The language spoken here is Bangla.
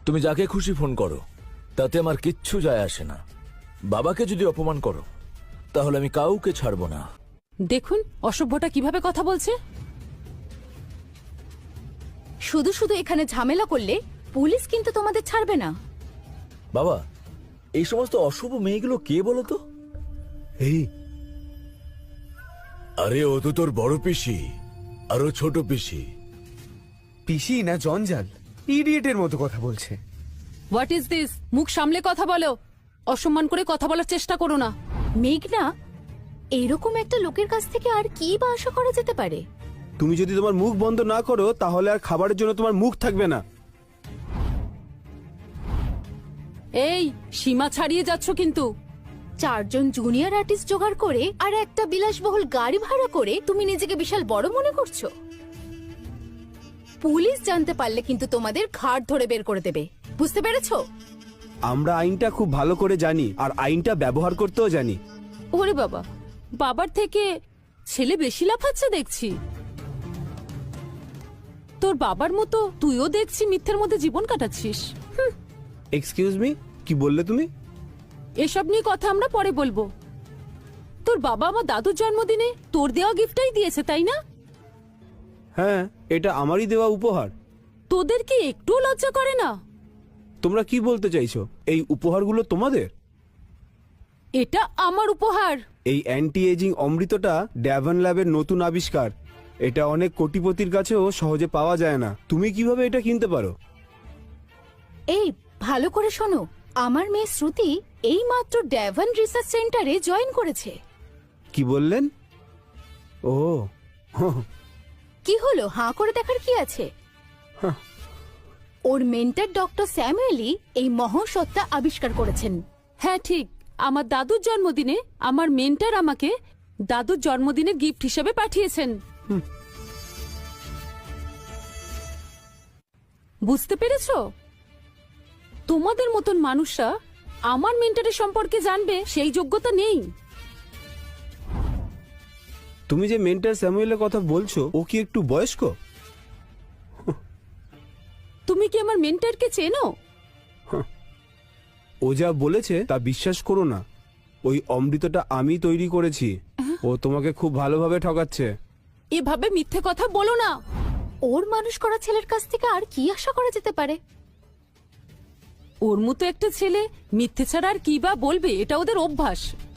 তুমি যাকে খুশি ফোন করো, তাতে আমার কিচ্ছু যায় আসে না। বাবাকে যদি অপমান করো তাহলে আমি কাউকে ছাড়বো না। দেখুন অসভ্যটা কিভাবে কথা বলছে। শুধু শুধু এখানে ঝামেলা করলে পুলিশ কিন্তু তোমাদের ছাড়বে না। বাবা, এই সমস্ত অশুভ মেয়েগুলো কে বলো তো? এই আরে ও তো তোর বড় পিসি, আরো ছোট পিসি। পিসি না জঞ্জাল, ইডিয়েটের মতো কথা বলছে। What is this? মুখ সামলে কথা বলো, অসম্মান করে কথা বলার চেষ্টা করো না। মেঘনা, এইরকম একটা লোকের কাছ থেকে আর কি বা আশা করা যেতে পারে? তুমি যদি তোমার মুখ বন্ধ না করো তাহলে আর খাবারের জন্য তোমার মুখ থাকবে না। এই সীমা ছাড়িয়ে যাচ্ছ কিন্তু। 4 জন জুনিয়র আর্টিস্ট জোগাড় করে আর একটা বিলাসবহুল গাড়ি ভাড়া করে তুমি নিজেকে বিশাল বড় মনে করছো। পুলিশ জানতে পারলে কিন্তু তোমাদের ঘাড় ধরে বের করে দেবে, বুঝতে পেরেছো? আমরা আইনটা খুব ভালো করে জানি আর আইনটা ব্যবহার করতেও জানি। ওরে বাবা, বাবার থেকে ছেলে বেশি লাফাচ্ছে দেখছি। তোর বাবার মতো তুইও দেখছি মিথ্যের মধ্যে জীবন কাটাচ্ছিস। এক্সকিউজ মি, কি বললে তুমি? এসব নিয়ে কথা আমরা পরে বলবো। তোর বাবা আমার দাদুর জন্মদিনে তোর দেওয়া গিফটটাই দিয়েছে, তাই না? হ্যাঁ, এটা আমারই দেওয়া উপহার। তোদের কি একটু লজ্জা করে না? তোমরা কি বলতে চাইছো? এই উপহারগুলো তোমাদের? এটা আমার উপহার। এই অ্যান্টি এজিং অমৃতটা ড্যাভন ল্যাবের নতুন আবিষ্কার। এটা অনেক কোটিপতির কাছেও সহজে পাওয়া যায় না। তুমি কিভাবে এটা কিনতে পারো? এই ভালো করে শোনো, আমার মেয়ে শ্রুতি এই মাত্র ড্যাভন রিসার্চ সেন্টারে জয়েন করেছে। কি বললেন? ও কি হলো, হাঁ করে দেখার কি আছে? ওর মেন্টর ডক্টর স্যামুয়েলি এই মহাসত্তা আবিষ্কার করেছেন। হ্যাঁ ঠিক, আমার দাদুর জন্মদিনে আমার মেন্টর আমাকে দাদুর জন্মদিনের গিফট হিসেবে পাঠিয়েছেন। বুঝতে পেরেছো? তোমাদের মতন মানুষরা আমার মেন্টরের সম্পর্কে জানবে সেই যোগ্যতা নেই। তুমি যে মেন্টর স্যামুয়েলের কথা বলছো, ও কি একটু বয়স্ক? তুমি কি আমার মেন্টরকে চেনো? ও যা বলেছে তা বিশ্বাস করো না। ওই অমৃতটা আমি তৈরি করেছি। ও তোমাকে খুব ভালোভাবে ঠকাচ্ছে। এভাবে মিথ্যে কথা বলো না। ওর মানুষ করা ছেলের কাছ থেকে আর কি আশা করা যেতে পারে? ওর মতো একটা ছেলে মিথ্যে ছাড়া আর কি বা বলবে, এটা ওদের অভ্যাস।